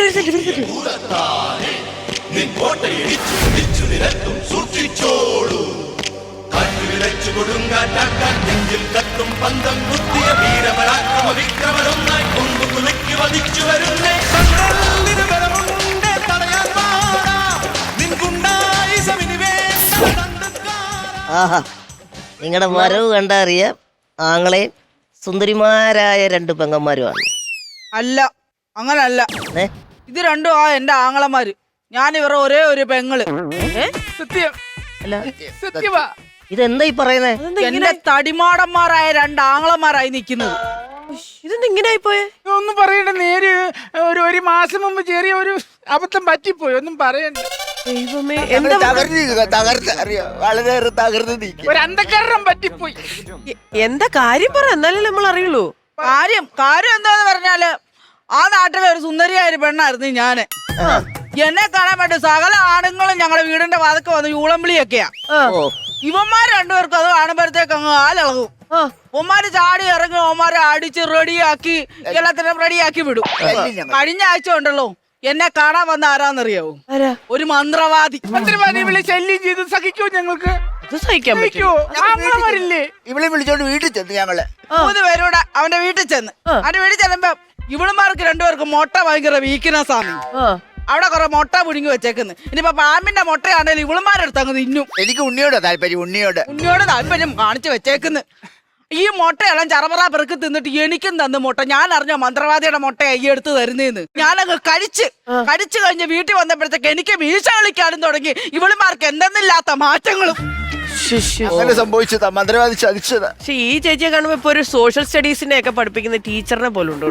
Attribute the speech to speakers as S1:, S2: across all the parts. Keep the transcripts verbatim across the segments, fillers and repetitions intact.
S1: ആഹാ, നിങ്ങളുടെ വരവ് കണ്ടറിയാം ആങ്ങളെയും സുന്ദരിമാരായ രണ്ട് പെങ്ങന്മാരുമാണ്.
S2: അല്ല, അങ്ങനല്ല. ഇത് രണ്ടും ആ എന്റെ ആങ്ങളമാര്. ഞാൻ ഇവരുടെ ഒരേ ഒരു പെങ്ങള്.
S3: സത്യം
S1: അല്ല,
S3: സത്യമാ.
S1: ഇതെന്താ ഈ പറയുന്നേ?
S2: എന്റെ തടിമാടന്മാരായ രണ്ട് ആങ്ങളമാരായി നിക്കുന്നത്.
S4: ഇതെന്താ ഇങ്ങനെ ആയിപ്പോയെ?
S3: ഒന്നും പറയണ്ട. നേര് ഒരു ഒരു മാസം മുമ്പ് ചെറിയ ഒരു അബദ്ധം പറ്റിപ്പോയി. ഒന്നും പറയണ്ട.
S4: ദൈവമേ,
S5: വളരെയേറെ തകർന്ന് നീക്കി.
S3: ഒരു അന്ധകരണം പറ്റിപ്പോയി.
S4: എന്താ കാര്യം പറ, എന്നാലേ നമ്മൾ അറിയുള്ളൂ.
S2: കാര്യം കാര്യം എന്താന്ന് പറഞ്ഞാല് ആ നാട്ടിലെ ഒരു സുന്ദരിയായ ഒരു പെണ്ണായിരുന്നു ഞാന്. എന്നെ കാണാൻ വേണ്ടി സകല ആണുങ്ങളും ഞങ്ങളുടെ വീടിന്റെ വാതക്ക് വന്ന് യൂളംവിളിയൊക്കെയാ. ഇവന്മാർ രണ്ടുപേർക്കും അത് കാണുമ്പോഴത്തേക്ക് അങ്ങ് ആലിളകും. ഒമാര് ചാടി ഇറങ്ങി ഒമാരെ അടിച്ച് റെഡിയാക്കി എല്ലാത്തിനും റെഡിയാക്കി വിടും. കഴിഞ്ഞ ആഴ്ച ഉണ്ടല്ലോ എന്നെ കാണാൻ വന്ന ആരാന്നറിയാവോ? ഒരു മന്ത്രവാദി.
S3: മന്ത്രവാദി വിളി ശല്യം ചെയ്ത് സഹിക്കോ? ഞങ്ങൾക്ക്
S4: സഹിക്കാൻ പറ്റുമോ?
S3: ആങ്ങളമാരില്ലേ?
S5: ഇവളെ വിളിച്ചോണ്ട് വീട്ടിൽ ചെന്ന് ഞങ്ങള്
S2: മൂന്ന് പേരൂടെ അവന്റെ വീട്ടിൽ ചെന്ന് അവന്റെ വീട്ടിൽ ചെല്ലുമ്പോ ഇവളുമാർക്ക് രണ്ടുപേർക്കും മുട്ട ഭയങ്കര വീക്ക്നെസ് ആണ്. അവിടെ കുറെ മുട്ട പുഴുങ്ങി വെച്ചേക്കുന്നു. ഇനിയിപ്പോ പാമ്പിന്റെ മുട്ടയാണേലും ഇവളുമാരെടുത്ത് അങ്ങ് തിന്നും.
S5: എനിക്ക് ഉണ്ണിയോട് താല്പര്യം. ഉണ്ണിയോട്
S2: ഉണ്ണിയോട് താല്പര്യം കാണിച്ചു വെച്ചേക്കുന്നു. ഈ മുട്ടയെല്ലാം ചറപറ പെറുക്കി തിന്നിട്ട് എനിക്കും തന്നു മുട്ട. ഞാൻ അറിഞ്ഞ മന്ത്രവാദിയുടെ മുട്ട ഈ എടുത്ത് തരുന്നേന്ന്. ഞാനങ്ങ് കഴിച്ച് കഴിച്ചു കഴിഞ്ഞ് വീട്ടിൽ വന്നപ്പോഴത്തേക്ക് എനിക്ക് വീഴ്ച കളിക്കാനും തുടങ്ങി. ഇവളുമാർക്ക് എന്തെന്നില്ലാത്ത മാറ്റങ്ങളും
S5: അങ്ങനെ സംഭവിച്ചതാ. മന്ത്രവാദി ചതിച്ചതാ.
S4: പക്ഷെ ഈ ചേച്ചിയെ കാണുമ്പോ ഇപ്പൊ ഒരു സോഷ്യൽ സ്റ്റഡീസിനെ ഒക്കെ പഠിപ്പിക്കുന്ന ടീച്ചറിനെ പോലെ ഉണ്ടോ?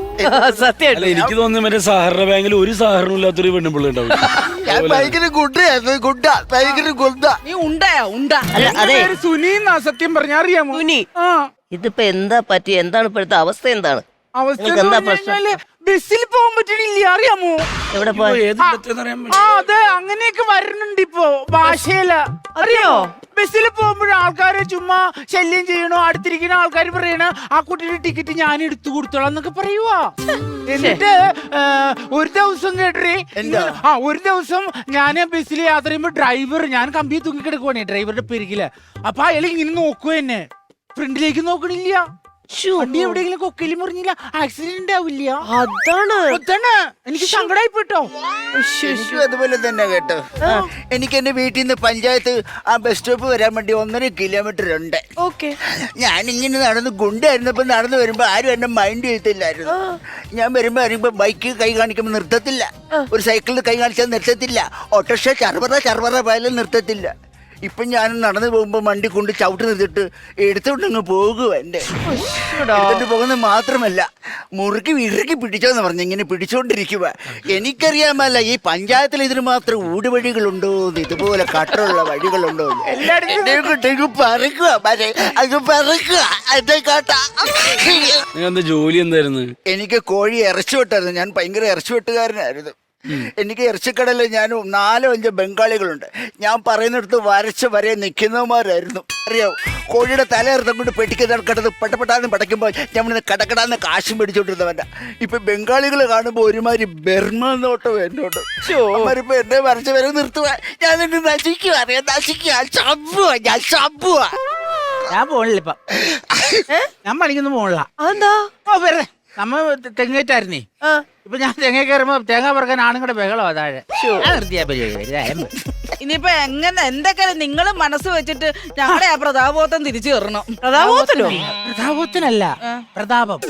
S4: സത്യം
S6: എനിക്ക് തോന്നുന്നു മറ്റേ സഹകരണ ബാങ്കിൽ ഒരു സഹകരണം ഇല്ലാത്തൊരു പെണ്ണുപിള്ള ഉണ്ടാവും.
S5: ഭയങ്കര ഗുഡായിരുന്നു. ഗുഡ ഭയങ്കര ഗുഡ.
S2: നീ ഉണ്ടായോ? ഉണ്ട.
S1: അതെ,
S3: സുനിന്നാ സത്യം പറഞ്ഞ അറിയാമോ?
S4: സുനി.
S1: ഇതിപ്പോ എന്താ പറ്റി? എന്താണ് ഇപ്പോഴത്തെ അവസ്ഥ? എന്താണ്
S3: അവസ്ഥ?
S1: എന്താ പ്രശ്നം?
S3: ബസ്സിൽ പോകാൻ പറ്റണില്ല. അറിയാമോ?
S1: എവിടെ പോയി?
S3: ആ അതെ, അങ്ങനെയൊക്കെ വരുന്നുണ്ട് ഇപ്പൊ ഭാഷയില. അറിയോ? ബസ്സിൽ പോകുമ്പോഴും ആൾക്കാരെ ചുമ്മാ ശല്യം ചെയ്യണോ. അടുത്തിരിക്കുന്ന ആൾക്കാർ പറയണ ആ കുട്ടിയുടെ ടിക്കറ്റ് ഞാൻ എടുത്തു കൊടുത്തോളാം എന്നൊക്കെ പറയുവാ. എന്നിട്ട് ഒരു ദിവസം കേട്ടേ, ആ ഒരു ദിവസം ഞാൻ ബസ്സിൽ യാത്ര ചെയ്യുമ്പോ ഡ്രൈവർ, ഞാൻ കമ്പി തൂങ്ങിക്കിടക്കുവാണേ ഡ്രൈവറുടെ പെരുകില്. അപ്പൊ അയാൾ ഇങ്ങനെ നോക്കുക എന്നെ, ഫ്രണ്ടിലേക്ക് നോക്കണില്ല. വണ്ടി എവിടെയെങ്കിലും കൊക്കയിൽ മുറിഞ്ഞില്ല, ആക്സിഡന്റ് ആവില്ല.
S4: അതാണ്
S3: അതാണ് എനിക്ക് സങ്കടമായി പോട്ടോ.
S5: എനിക്കും അതുപോലെ തന്നെ കേട്ടോ. എനിക്ക് എന്റെ വീട്ടിൽ നിന്ന് പഞ്ചായത്ത് ആ ബസ് സ്റ്റോപ്പ് വരാൻ വേണ്ടി ഒന്നര കിലോമീറ്റർ ഉണ്ട്.
S4: ഓക്കെ.
S5: ഞാനിങ്ങനെ നടന്ന് ഗുണ്ടായിരുന്നപ്പോ നടന്നു വരുമ്പോ ആരും എന്നെ മൈൻഡ് ചെയ്യത്തില്ലായിരുന്നു. ഞാൻ വരുമ്പോ വരുമ്പോ ബൈക്ക് കൈ കാണിക്കുമ്പോ നിർത്തത്തില്ല, ഒരു സൈക്കിളിൽ കൈ കാണിച്ചാൽ നിർത്തത്തില്ല, ഓട്ടോറിക്ഷ ചർവറ ചർവറ പോയാലും നിർത്തത്തില്ല. ഇപ്പൊ ഞാൻ നടന്നു പോകുമ്പോ വണ്ടി കൊണ്ട് ചവിട്ട് നിർത്തിട്ട് എടുത്തോണ്ടങ്ങ് പോകുക. എന്റെ എടുത്തിട്ട് പോകുന്നത് മാത്രമല്ല, മുറുക്കി ഇറുക്കി പിടിച്ചോന്ന് പറഞ്ഞു ഇങ്ങനെ പിടിച്ചോണ്ടിരിക്കുക. എനിക്കറിയാമല്ല ഈ പഞ്ചായത്തിൽ ഇതിന് മാത്രം ഊടുവഴികളുണ്ടോ, ഇതുപോലെ കട്ടറുള്ള വഴികളുണ്ടോ. പറക്കുക അത് പറക്കുക എന്റെ കാട്ട.
S6: ജോലി എന്തായിരുന്നു?
S5: എനിക്ക് കോഴി ഇറച്ചി വെട്ടായിരുന്നു. ഞാൻ ഭയങ്കര ഇറച്ചി വെട്ടുകാരനായിരുന്നു. എനിക്ക് ഇറച്ചിക്കടയിൽ ഞാൻ നാലോ അഞ്ചോ ബംഗാളികളുണ്ട്. ഞാൻ പറയുന്നിടത്ത് വരച്ച് വരെ നിൽക്കുന്നവന്മാരായിരുന്നു. അറിയാവോ? കോഴിയുടെ തലയിറത്തം കൊണ്ട് പെട്ടിക്ക് കിടക്കുന്നത് പെട്ടപ്പെട്ടാന്ന് പടയ്ക്കുമ്പോൾ ഞാൻ കടക്കടാന്ന് കാശും പിടിച്ചോണ്ടിരുന്നവൻ്റെ. ഇപ്പൊ ബംഗാളികൾ കാണുമ്പോൾ ഒരുമാതിരി ബർമ നോട്ടോ എന്നോട്ട്. അവരിപ്പോ എന്നെ വരച്ച് വരെ നിർത്തുക. ഞാൻ എന്നെ നശിക്കുക, അറിയാം നശിക്കുക, ചമ്പുക, ഞാൻ ചമ്പുക.
S3: ഞാൻ പോണില്ല ഇപ്പൊ, ഞാൻ പണിക്കൊന്നും പോണില്ല.
S4: അതെന്താ?
S3: വെറുതെ നമ്മ തെങ്ങേറ്റായിരുന്നേ. ഇപ്പൊ ഞാൻ തെങ്ങ കയറുമ്പോ തേങ്ങ പറക്കാൻ ആണുങ്ങളുടെ ബഹളോ താഴെ.
S2: ഇനിയിപ്പൊ എങ്ങനെ എന്തൊക്കെ നിങ്ങളും മനസ്സ് വെച്ചിട്ട് ഞങ്ങളുടെ ആ പ്രതാപോത്തം തിരിച്ചു കയറണം.
S4: പ്രതാപോത്തനോ?
S3: പ്രതാപത്തിനല്ല, പ്രതാപം.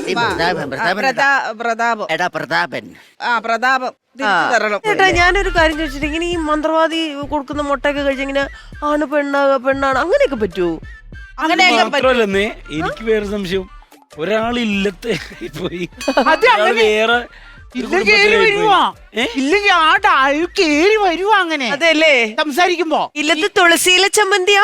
S2: പ്രതാപം.
S5: എടാ പ്രതാപൻ.
S2: ആ പ്രതാപം തിരിച്ചു തരണം.
S4: ചേട്ടാ, ഞാനൊരു കാര്യം ചോദിച്ചിട്ട്, ഇങ്ങനെ ഈ മന്ത്രവാദി കൊടുക്കുന്ന മുട്ടയൊക്കെ കഴിച്ചിങ്ങനെ ആണ് പെണ്ണാക പെണ്ണാണ് അങ്ങനെയൊക്കെ പറ്റുമോ?
S2: അങ്ങനെയൊക്കെ
S6: മാത്രമല്ലെന്നേ, എനിക്ക് വേറെ സംശയം. ഒരാളില്ലത്തെ പോയി വേറെ
S3: ഇല്ലെങ്കിൽ ആ ഡായു കേറി വരുവാ. അങ്ങനെ
S4: അതെല്ലേ
S3: സംസാരിക്കുമ്പോ
S4: ഇല്ലത്ത് തുളസിയിലെ ചമ്മന്തിയാ.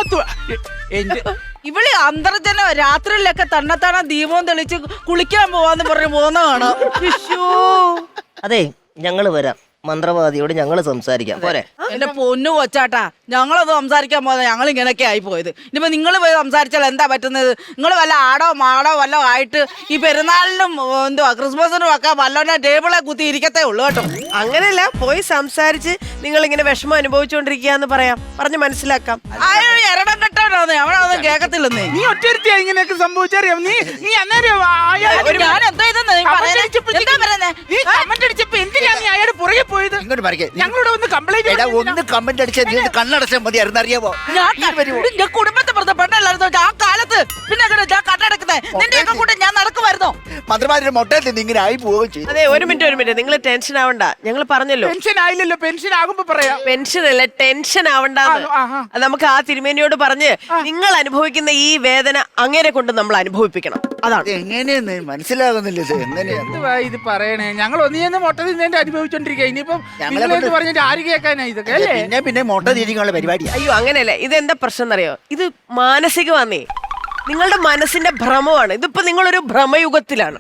S2: ഇവള് അന്തർജന രാത്രിയിലൊക്കെ തന്നെത്താണെ ദീപവും തെളിച്ച് കുളിക്കാൻ പോവാന്ന് പറഞ്ഞു പോകുന്നതാണ്.
S1: അതെ, ഞങ്ങള് വരാം. മന്ത്രവാദിയോട് ഞങ്ങള് സംസാരിക്കാം. പോരെ?
S2: എന്റെ പൊന്നു കൊച്ചാട്ടാ, ഞങ്ങളത് സംസാരിക്കാൻ പോകുന്നത് ഞങ്ങൾ ഇങ്ങനെയൊക്കെ ആയി പോയത്. ഇനിയിപ്പോ നിങ്ങൾ പോയി സംസാരിച്ചാൽ എന്താ പറ്റുന്നത്? നിങ്ങൾ വല്ല ആടോ മാടോ വല്ലോ ആയിട്ട് ഈ പെരുന്നാളിനും എന്തുവാ ക്രിസ്മസിനും ഒക്കെ വല്ലോനെ ടേബിളെ കുത്തി ഇരിക്കത്തേ ഉള്ളൂ കേട്ടോ.
S4: അങ്ങനെയല്ല, പോയി സംസാരിച്ച് നിങ്ങൾ ഇങ്ങനെ വിഷമം അനുഭവിച്ചുകൊണ്ടിരിക്കുകയെന്ന് പറയാം, പറഞ്ഞ് മനസ്സിലാക്കാം.
S2: അയ്യോ എരടം കെട്ടോന്ന് അവനൊന്നും കേക്കത്തില്ലെന്നേ.
S3: നീ ഒറ്റരുത്തിയാ ഇങ്ങനെയൊക്കെ സംഭവിച്ചറിയാം. നീ നീ അന്നേരം അയാൾ
S2: ഞാൻ എന്താ ഇതെന്ന് നീ പറയുന്നേ? എന്താ പറയുന്നേ?
S3: നീ കമന്റ് അടിച്ചപ്പോ എന്തിനാ നീ അയാളുടെ പുറകെ പോയത്?
S5: ഇങ്ങോട്ട് പറയേ.
S3: ഞങ്ങളോട് ഒന്ന് കംപ്ലൈന്റ്
S5: എടാ ഒന്ന് കമന്റ് അടിച്ചാൽ നീ ഒന്ന് കണ്ണടച്ചാൽ മതിയായിരുന്നു, അറിയാവോ?
S2: ഞാൻ കുടുംബത്തെ പുറത്ത് പെണ്ണല്ലായിരുന്നു ആ കാലത്ത്. പിന്നെ എങ്ങനെ ഞാൻ കണ്ണടക്കുന്നേ? നിന്റെയൊക്കെ കൂടെ ഞാൻ നടക്കുമായിരുന്നോ?
S5: മന്ത്രിമാരുടെ മൊട്ടയിൽ നിന്ന് ഇങ്ങനെ ആയി പോവുകയും ചെയ്തു.
S4: അതെ, ഒരു മിനിറ്റ് ഒരു മിനിറ്റ്, നിങ്ങൾ ടെൻഷൻ ആവണ്ട. ഞങ്ങൾ പറഞ്ഞല്ലോ
S3: പെൻഷൻ ആയില്ലല്ലോ, പെൻഷൻ ആകുമ്പോ പറയാം.
S4: പെൻഷൻ അല്ല, ടെൻഷൻ ആവണ്ടെന്ന്.
S3: ആ, ആ.
S4: അത് നമുക്ക് ആ തിരുമേനിയോട് പറഞ്ഞ് നിങ്ങൾ അനുഭവിക്കുന്ന ഈ വേദന അങ്ങനെ കൊണ്ട് നമ്മൾ അനുഭവിപ്പിക്കണം. അതാണ്.
S5: ഇത് എങ്ങനെയെന്ന് മനസ്സിലാകുന്നില്ല. ഇത് എങ്ങനെയാ?
S3: എന്തുവാ ഇത് പറയണേ? ഞങ്ങൾ ഒന്നിയെന്ന് മൊട്ട തിന്നേന്റെ അനുഭവിച്ചോണ്ടിരിക്കുക. ഇനിയിപ്പം
S5: ഞങ്ങളെ
S3: നിങ്ങളെന്ന്
S5: കൊണ്ട്
S3: പറഞ്ഞിട്ട് ആര് കേൾക്കാനാ ഇതൊക്കെ അല്ലേ?
S5: പിന്നെ പിന്നെ മൊട്ട തിരിക്കാനുള്ള പരിപാടിയാ.
S4: അയ്യോ അങ്ങനെയല്ല, ഇതെന്താ പ്രശ്നം എന്നറിയോ? ഇത് മാനസികമാന്നേ, നിങ്ങളുടെ മനസ്സിന്റെ ഭ്രമമാണ്. ഇതിപ്പോ നിങ്ങളൊരു ഭ്രമയുഗത്തിലാണ്.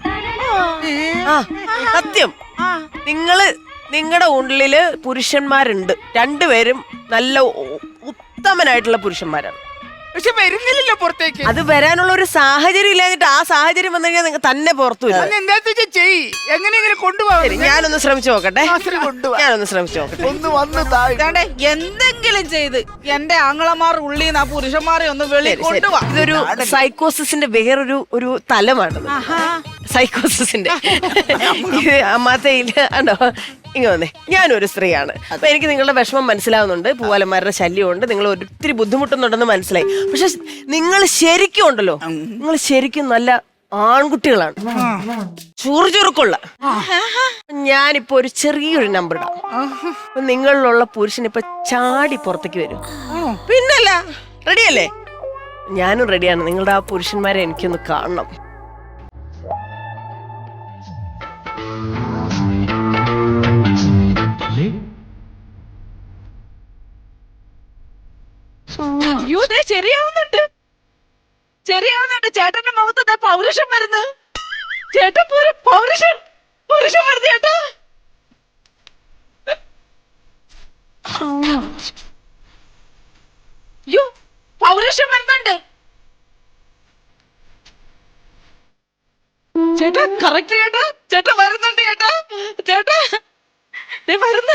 S4: ആ സത്യം. നിങ്ങള് നിങ്ങളുടെ ഉള്ളില് പുരുഷന്മാരുണ്ട്, രണ്ടുപേരും നല്ല ഉ- ഉത്തമനായിട്ടുള്ള പുരുഷന്മാരാണ്.
S3: പക്ഷെ വരുന്നില്ലല്ലോ പുറത്തേക്ക്.
S4: അത് വരാനുള്ള ഒരു സാഹചര്യം ഇല്ലാഞ്ഞിട്ട് ആ സാഹചര്യം വന്നു കഴിഞ്ഞാൽ നിങ്ങൾ തന്നെ പുറത്തു വരും.
S3: അന്ന് എന്താ വെച്ചാ ചെയ്, എങ്ങനെയെങ്കിലും കൊണ്ടുപോകാം.
S4: ശരി, ഞാനൊന്ന് ശ്രമിച്ചു നോക്കട്ടെ.
S5: കൊണ്ടുവാ.
S4: ഞാനൊന്ന് ശ്രമിച്ചു നോക്കട്ടെ.
S5: ഒന്ന് വന്ന് താഴെ.
S2: ഇതാണ്ടേ എന്തെങ്കിലും ചെയ്ത് എന്റെ ആങ്ങളമാർ ഉള്ളിൽ നിന്ന് ആ പുരുഷന്മാരെ ഒന്ന് വെളി
S4: ശരി, ശരി.
S2: കൊണ്ടുപോവാ.
S4: ഇതൊരു സൈക്കോസിന്റെ വേറൊരു ഒരു തലമാണ്. സൈക്കോസിന്റെ ഇത് അമ്മാത്തയില് ആണോ? ഇങ്ങ വന്നേ, ഞാനൊരു സ്ത്രീയാണ്. അപ്പൊ എനിക്ക് നിങ്ങളുടെ വിഷമം മനസ്സിലാവുന്നുണ്ട്, പൂവാലന്മാരുടെ ശല്യമുണ്ട്, നിങ്ങൾ ഒത്തിരി ബുദ്ധിമുട്ടുന്നുണ്ടെന്ന് മനസ്സിലായി. പക്ഷെ നിങ്ങൾ ശരിക്കും ഉണ്ടല്ലോ, നിങ്ങൾ ശരിക്കും നല്ല ആൺകുട്ടികളാണ്, ചുറുചുറുക്കുള്ള. ഞാനിപ്പോ ഒരു ചെറിയൊരു നമ്പർ ഇടാം. അപ്പൊ നിങ്ങളിലുള്ള പുരുഷൻ ഇപ്പൊ ചാടി പുറത്തേക്ക് വരും. പിന്നല്ല, റെഡിയല്ലേ? ഞാനും റെഡിയാണ്. നിങ്ങളുടെ ആ പുരുഷന്മാരെ എനിക്കൊന്ന് കാണണം.
S2: അയ്യോ ദേ ശരിയാവുന്നുണ്ട്, ശരിയാവുന്നുണ്ട്. ചേട്ടന്റെ മുഖത്ത് പൗരുഷം വരുന്നു. ചേട്ടൻ പൂര- പൗരുഷം പൗരുഷം വരുന്നു ചേട്ടാ. അയ്യോ പൗരുഷം വരുന്നുണ്ട് ചേട്ടാ. കറക്റ്റ് ചേട്ടാ, ചേട്ടാ വരുന്നുണ്ട് ചേട്ടാ. ചേട്ടാ ദേ വരുന്നു.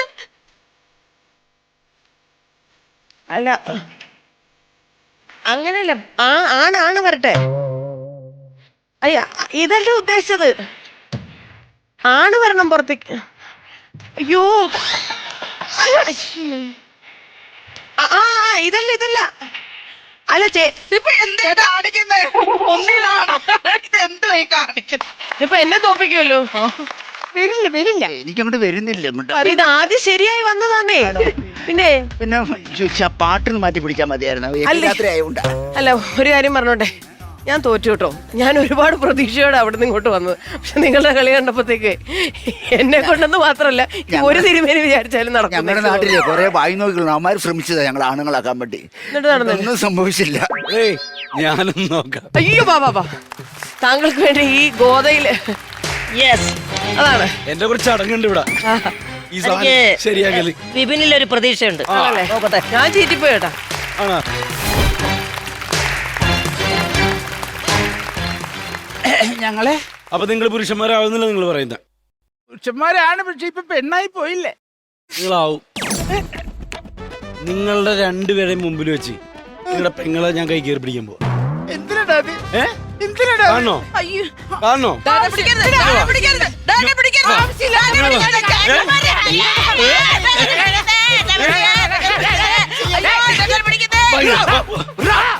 S4: അല്ല അങ്ങനല്ല, ആ ആണാണ് വരട്ടെ. അയ്യ ഇതല്ല ഉദ്ദേശിച്ചത്, ആണ് വരണം പുറത്തേക്ക്. അയ്യോ ആ ആ, ഇതല്ല ഇതല്ല അല്ല ചേ
S2: ഇപ്പൊ എന്താ കാണിക്കുന്നേ? ഒന്നിലാണോ ഇതെന്തോ കാണിക്കുന്നത്?
S4: ഇപ്പൊ എന്നെ തോപ്പിക്കുമല്ലോ. വരില്ല വരില്ല,
S5: എനിക്കങ്ങോട്ട് വരുന്നില്ല ഇങ്ങോട്ട്.
S4: ഇത് ആദ്യം ശരിയായി വന്നതാണേ. പിന്നെ
S5: പിന്നെ ചോദിച്ചാ പാട്ടിന് മാറ്റി പിടിക്കാൻ മതിയായിരുന്നു.
S4: അല്ലേ?
S5: രാത്രി ആയതുകൊണ്ടാ.
S4: അല്ല ഒരു കാര്യം പറഞ്ഞോട്ടെ, ഞാൻ തോറ്റു കേട്ടോ. ഞാൻ ഒരുപാട് പ്രതീക്ഷയോടെ അവിടെ നിന്ന് ഇങ്ങോട്ട് വന്നത്. പക്ഷെ നിങ്ങളുടെ കളി കണ്ടപ്പോഴത്തേക്ക് എന്നെ കൊണ്ടെന്ന് മാത്രമല്ല ഒരു തിരുമേനി വിചാരിച്ചാലും നടക്കും.
S5: ഞങ്ങളുടെ നാട്ടിലെ കുറെ വായി നോക്കികളും അവന്മാർ ശ്രമിച്ചതാ ഞങ്ങൾ ആണുങ്ങളാക്കാൻ വേണ്ടി.
S4: എന്നിട്ട് നടന്നില്ല.
S5: ഒന്നും സംഭവിച്ചില്ല.
S6: ഏയ് ഞാനും നോക്കാം.
S4: അയ്യോ ബാബാ ബാ, താങ്കൾക്ക് വേണ്ടി ഈ ഗോതയില്
S1: യെസ്,
S4: അതാണ്.
S6: എന്റെ കുറച്ച് അടങ്ങുണ്ട് ഇവിടെ. ഈ സാധനം
S1: എനിക്ക്
S6: ശരിയാക്കല്
S1: വിപിനിലൊരു പ്രതീക്ഷയുണ്ട്.
S4: ആണല്ലേ?
S1: നോക്കട്ടെ.
S4: ഞാൻ ചീറ്റിപ്പോയി കേട്ടാ.
S6: ആണോ?
S3: ഞങ്ങളെ
S6: അപ്പൊ നിങ്ങൾ പുരുഷന്മാരാവുന്നില്ല നിങ്ങൾ പറയുന്ന?
S3: പുരുഷന്മാരാണ്, പക്ഷെ ഇപ്പൊ പെണ്ണായി പോയില്ലേ?
S6: നിങ്ങളാവും. നിങ്ങളുടെ രണ്ടുപേരെയും മുമ്പിൽ വെച്ച് നിങ്ങളുടെ പെങ്ങളെ ഞാൻ കൈ കയറി പിടിക്കാൻ പോവാ.
S3: എന്തിനാ അത്?
S6: ഏ
S3: എന്തിനാ?
S6: കാണണോ?
S2: അയ്യോ
S6: കാണണോ?
S2: ഡാനെ പിടിക്കരുത്, ഡാനെ പിടിക്കരുത്, ഡാനെ പിടിക്കരുത്. ആവശ്യമില്ല, ഡാനെ പിടിക്കരുത്. ചേട്ടന്മാരെ. അയ്യോ, ചേട്ടനെ പിടിക്കരുത്.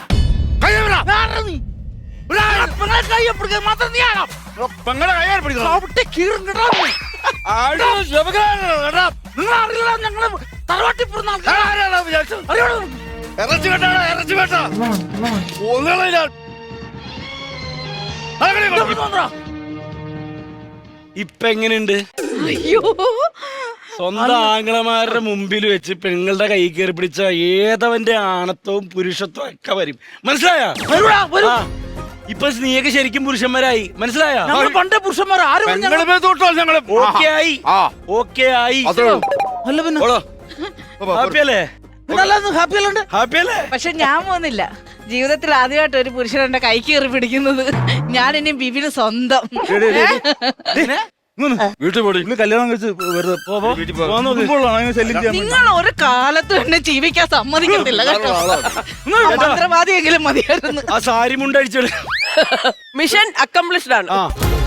S6: ഇപ്പൊ എങ്ങനെയുണ്ട്?
S2: അയ്യോ
S6: സ്വന്തം ആംഗളമാരുടെ മുമ്പിൽ വെച്ച് പെങ്ങളുടെ കൈ കയറി പിടിച്ച ഏതവന്റെ ആണത്വവും പുരുഷത്വവും ഒക്കെ വരും. മനസ്സിലായോ? ആ, ഇപ്പൊ നീയൊക്കെ ശരിക്കും പുരുഷന്മാരായി. മനസ്സിലായോ?
S3: പണ്ടേ പുരുഷന്മാർ ആരും
S6: ഓക്കെ ആയി, ഓക്കെ ആയി.
S3: അല്ല പിന്നെ
S6: ഓളോ ഹാപ്പി അല്ലേ
S3: ഹാപ്പി അല്ലേ
S6: ഹാപ്പി അല്ലേ
S2: പക്ഷെ ഞാൻ പോകുന്നില്ല. ജീവിതത്തിൽ ആദ്യമായിട്ട് ഒരു പുരുഷൻ എന്റെ കൈ കയറി പിടിക്കുന്നത്. ഞാൻ ഇനി ബിബിന് സ്വന്തം.
S7: വീട്ടിൽ പോടി ഇന്ന് കല്യാണം കഴിച്ച് വെറുതെ ശല്യം ചെയ്യാൻ
S2: നിങ്ങൾ ഒരു കാലത്തും എന്നെ ജീവിക്കാൻ സമ്മതിക്കത്തില്ല കേട്ടോ. മന്ത്രവാദിയെങ്കിലും മതിയായിരുന്നു.
S6: ആ സാരി മുണ്ടടിച്ചോളൂ.
S4: മിഷൻ അക്കംപ്ലിഷ്ഡ് ആണ്.
S6: ആ